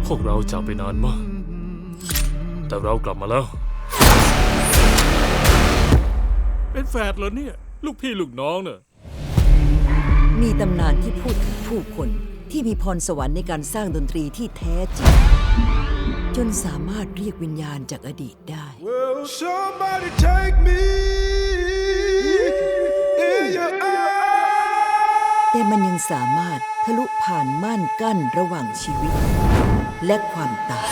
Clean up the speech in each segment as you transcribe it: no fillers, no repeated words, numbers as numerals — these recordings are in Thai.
พวกเราจากไปนานมากแต่เรากลับมาแล้วเป็นแฝดเหรอเนี่ยลูกพี่ลูกน้องเน่ะมีตำนานที่พูดถึงผู้คนที่มีพรสวรรค์ในการสร้างดนตรีที่แท้จริงจนสามารถเรียกวิญญาณจากอดีตได้ Will somebody take me in your arms? แต่มันยังสามารถทะลุผ่านม่านกั้นระหว่างชีวิตและความตาย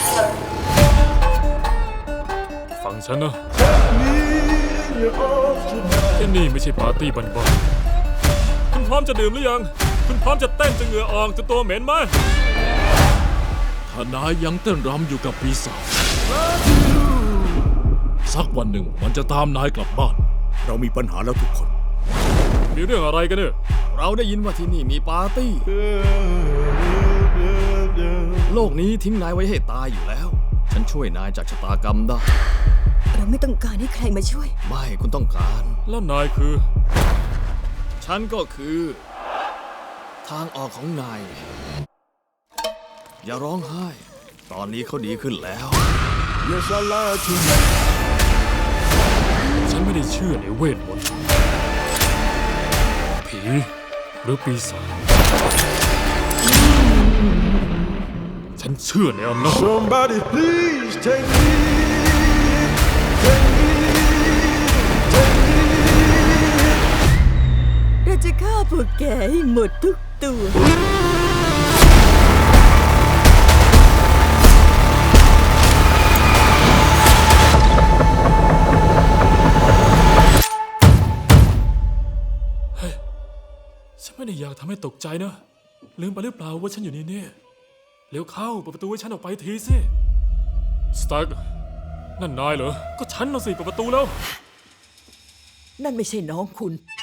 ฟังฉันนะ Me in your arms tonight. ที่นี่ไม่ใช่ปาร์ตี้บันๆคุณพร้อมจะดื่มหรือยังคุณพร้อมจะเต้นจนเหงื่อออกจนตัวเหม็นไหมถ้านายยังเต้นรำอยู่กับปีศาจสักวันหนึ่งมันจะตามนายกลับบ้านเรามีปัญหาแล้วทุกคนมีเรื่องอะไรกันเนี่ยเราได้ยินว่าที่นี่มีปาร์ตี้โลกนี้ทิ้งนายไว้ให้ตายอยู่แล้วฉันช่วยนายจากชะตากรรมได้เราไม่ต้องการให้ใครมาช่วยไม่คุณต้องการแล้วนายคือฉันก็คือทางออกของนายอย่าร้องไห้ตอนนี้เขาดีขึ้นแล้ว Yes, I lied to you. ฉันไม่ได้เชื่อในเวทมนต์ผีหรือปีศาจฉันเชื่อในอำนาจ Somebody please take me. Take me. Take me. เราจะฆ่าพวกแกให้หมดทุกตัวฉันไม่ได้อยากทำให้ตกใจนะลืมไปหรือเปล่าว่าฉันอยู่นี่เนี่ยเร็วเข้าเปิดประตูให้ฉันออกไปทีสิสตาร์กนั่นนายเหรอก็ฉันน่ะสิเปิดประตูแล้วนั่นไม่ใช่น้องคุณ